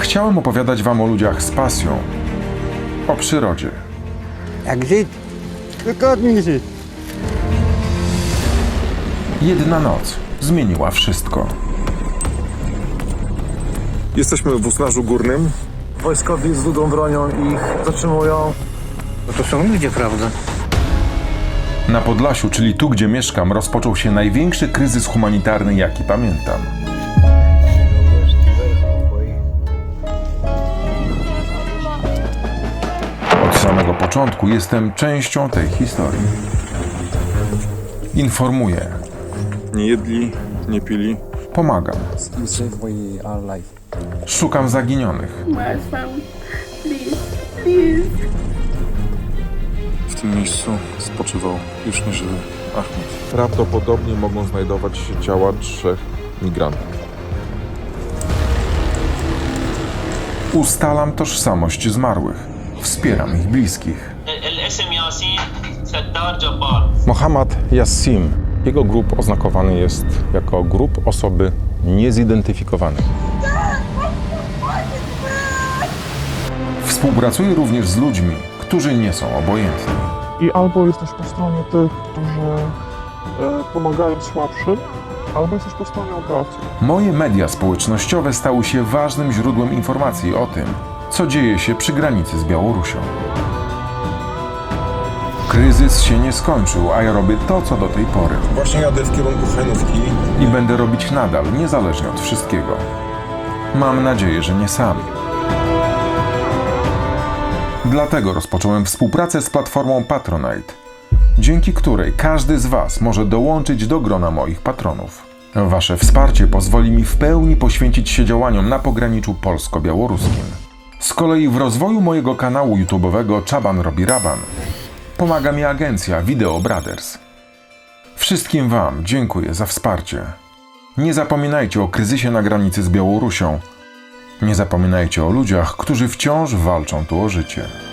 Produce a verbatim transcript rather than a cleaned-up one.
Chciałem opowiadać wam o ludziach z pasją, o przyrodzie. Jak żyć, wygodnie żyć. Jedna noc zmieniła wszystko. Jesteśmy w Usnarzu Górnym. Wojskowi z długą bronią ich zatrzymują. No to są ludzie, prawda? Na Podlasiu, czyli tu, gdzie mieszkam, rozpoczął się największy kryzys humanitarny, jaki pamiętam. Od samego początku jestem częścią tej historii. Informuję, Nie jedli, nie pili. pomagam, You save my our life. szukam zaginionych. My son, please, please. W tym miejscu spoczywał już nieżywy Ahmed. Prawdopodobnie mogą znajdować się ciała trzech migrantów. Ustalam tożsamość zmarłych. Wspieram ich bliskich. الاسم ياسين ستار جبار. Mohammad Yassim. Jego grób oznakowany jest jako grób osoby niezidentyfikowanej. Współpracuję również z ludźmi, którzy nie są obojętni. I albo jesteś po stronie tych, którzy e, pomagają słabszym, albo jesteś po stronie obrazu. Moje media społecznościowe stały się ważnym źródłem informacji o tym, co dzieje się przy granicy z Białorusią. Kryzys się nie skończył, a ja robię to, co do tej pory. Właśnie jadę w kierunku Hajnówki. I będę robić nadal, niezależnie od wszystkiego. Mam nadzieję, że nie sam. Dlatego rozpocząłem współpracę z platformą Patronite, dzięki której każdy z was może dołączyć do grona moich patronów. Wasze wsparcie pozwoli mi w pełni poświęcić się działaniom na pograniczu polsko-białoruskim. Z kolei w rozwoju mojego kanału YouTube'owego Czaban robi raban pomaga mi agencja Video Brothers. Wszystkim wam dziękuję za wsparcie. Nie zapominajcie o kryzysie na granicy z Białorusią. Nie zapominajcie o ludziach, którzy wciąż walczą tu o życie.